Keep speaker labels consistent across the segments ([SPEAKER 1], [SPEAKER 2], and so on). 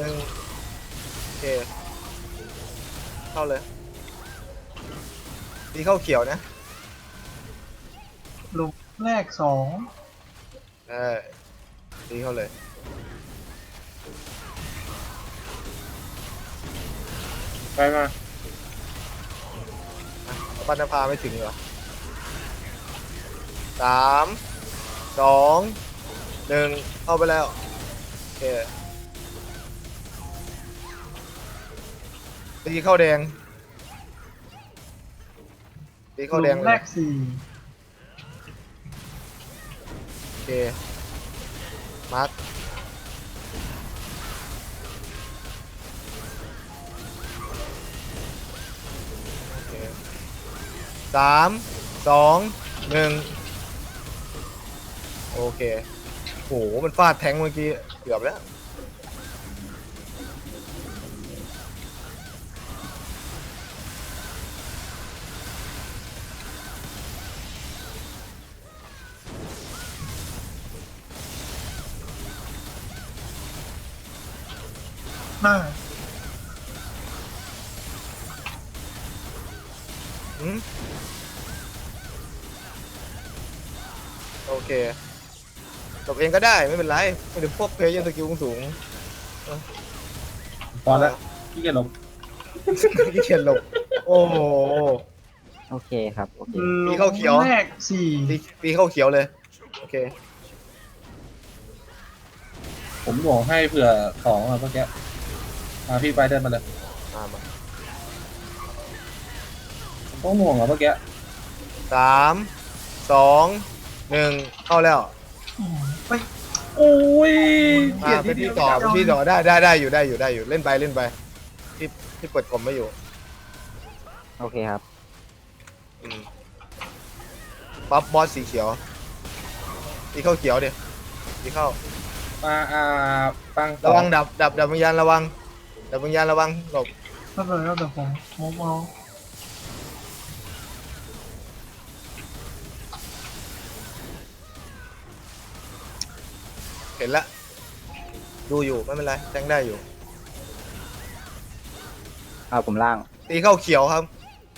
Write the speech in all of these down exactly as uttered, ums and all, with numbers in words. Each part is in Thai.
[SPEAKER 1] หนึ่งโอเคเข้าเลยตีเข้าเขียวนะ
[SPEAKER 2] หลุมแรกสอง
[SPEAKER 1] เออตีเข้าเลย
[SPEAKER 3] ไปมา
[SPEAKER 1] ปันนภาไม่ถึงเหรอสามสองหนึ่งเข้าไปแล้วโอเคตีเข้าแดงตี
[SPEAKER 2] ห
[SPEAKER 1] เข้า
[SPEAKER 2] ลุ
[SPEAKER 1] แดง
[SPEAKER 2] ม
[SPEAKER 1] เล
[SPEAKER 2] แร
[SPEAKER 1] ย
[SPEAKER 2] กสี่
[SPEAKER 1] โอเคมาร์คโอเคสามสองหนึ่งโอเคโหมันฟาดแทงเมื่อกี้เกือบแล้ว
[SPEAKER 2] หน้า
[SPEAKER 1] อืมโอเคตบเองก็ได้ไม่เป็นไรไม่ถึงพวกเพลย์ยังสกิลสูง
[SPEAKER 3] ตอนแล้วพี่เกดหลบ
[SPEAKER 1] ที่เขียนหลบโอ้โห
[SPEAKER 4] โอเคครับโอเค
[SPEAKER 2] หลุ
[SPEAKER 1] ตีเข้าเขียว
[SPEAKER 2] มแรกสี่
[SPEAKER 1] ตีตีเข้าเขียวเลยโอเค
[SPEAKER 3] ผมหน่วงให้เผื่อสองอะเมื่อกี้มาพี่ไปเดินมาเลย
[SPEAKER 1] มามา
[SPEAKER 3] ผมต้องหน่วงอะเมื่อกี้
[SPEAKER 1] สามสองหนึ่งเข้าแล้ว
[SPEAKER 2] อืมไป
[SPEAKER 3] โอ้ยเกลีย
[SPEAKER 1] อ่า
[SPEAKER 3] ด
[SPEAKER 1] เป็น
[SPEAKER 3] ที่
[SPEAKER 1] ที่ต่อเป็นที่ต่อได้ได้ได้อยู่ได้อยู่ได้อยู่เล่นไปเล่นไปที่ที่เปิดกลมไม่อยู่
[SPEAKER 4] โอเคครับ
[SPEAKER 1] อืมปั๊บบอสสีเขียวตีเข้าเขียวดิตีเข้า
[SPEAKER 3] มาอ่าปัง
[SPEAKER 1] ระวังดับดับดับวิญญาณระวังดับวิญญาณระวังหลบ
[SPEAKER 2] ก็เลยแล้วแต่ผมมุมเอา
[SPEAKER 1] เห็นละดูอยู่ไม่เป็นไรแทงได้อยู่
[SPEAKER 4] เอาผมล่าง
[SPEAKER 1] ตีเข้าเขียวครับ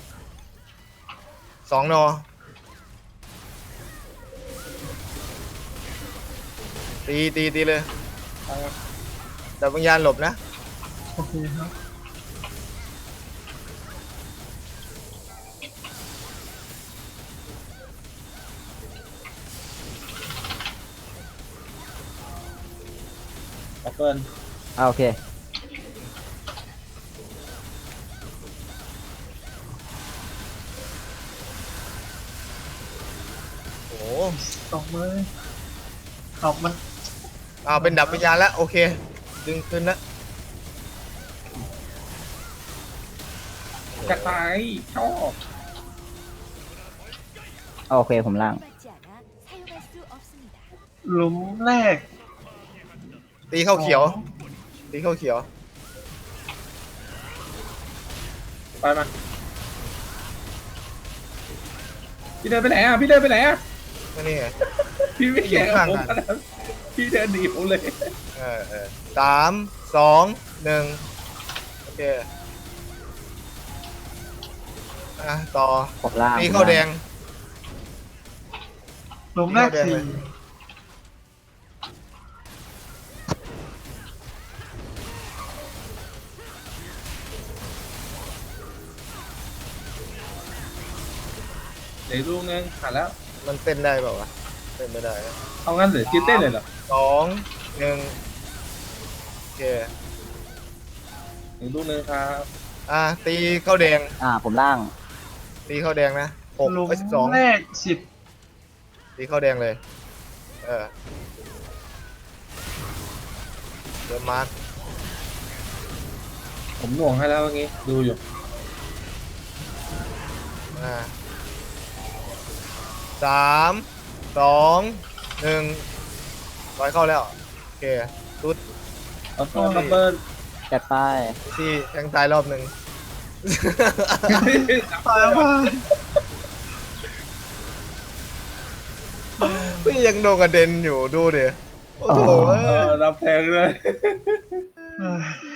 [SPEAKER 1] สองนอตีตีตีเลย
[SPEAKER 3] ปังมา
[SPEAKER 1] ดับวิญญาณหลบนะ
[SPEAKER 2] โอเคครับ
[SPEAKER 3] ออกเกิน
[SPEAKER 4] เอาโอเค
[SPEAKER 1] โอ้โห
[SPEAKER 2] ตกเลยตกมัน
[SPEAKER 1] อ่าเป็นดับวิญญาณแล้วโอเคดึงขึ้นนะ
[SPEAKER 3] จะตายชอบ
[SPEAKER 4] เอาโอเคผมล่าง
[SPEAKER 5] 받지 않아 사용할 수 없습니다.
[SPEAKER 2] หลุมแรก
[SPEAKER 1] ตีเข้าเขียว
[SPEAKER 2] สอง
[SPEAKER 1] ตีเข้าเขียว
[SPEAKER 3] ไปมาพี่เดินไปไหนอ่ะพี่เดินไปไหนอ่ะ
[SPEAKER 1] ก็นี่ไง
[SPEAKER 3] พี่ไม่แข่งกับผม
[SPEAKER 1] อยู่ข้างกัน
[SPEAKER 3] นะพี่เดินหนีผมเลย
[SPEAKER 1] เออเออสามสองหนึ่งโอเคอ่ะต่อ
[SPEAKER 4] ผมล่าง
[SPEAKER 1] ตีเข้าแดง
[SPEAKER 2] หลุมแรกสี่
[SPEAKER 3] เดี๋ยวลูกนึงขาดแล้ว
[SPEAKER 1] มันเต้นได้เปล่าวะเต้นไม่ได้นะ
[SPEAKER 3] เอางั้นเหรือคิดเต้นเลยเหรอ
[SPEAKER 1] สองหนึ่งโอเค
[SPEAKER 3] หนึ่งลูกนึงครับ
[SPEAKER 1] อ่ะตีเข้าแดง
[SPEAKER 4] อ่าผมล่าง
[SPEAKER 1] ตีเข้าแดงนะหก
[SPEAKER 2] หลุม
[SPEAKER 1] ไปสิบสอง
[SPEAKER 2] แรกสิบ
[SPEAKER 1] ตีเข้าแดงเลยเออเดินมาร์ค
[SPEAKER 3] ผมหน่วงให้แล้วเมื่อกี้ดูอยู่
[SPEAKER 1] อ่าสามสองหนึ่งร้อยเข้าแล้วโอเคตุ๊ด
[SPEAKER 3] เอาตัวดับเบิล
[SPEAKER 4] จัดไป
[SPEAKER 1] ที่แทงตายรอบหนึ่ง
[SPEAKER 2] ตายว่า
[SPEAKER 1] พี่ยังโดนกระเด็นอยู่ดูดิโอ้โห
[SPEAKER 3] เออรับแทงเลย
[SPEAKER 1] เ
[SPEAKER 2] เอ้ย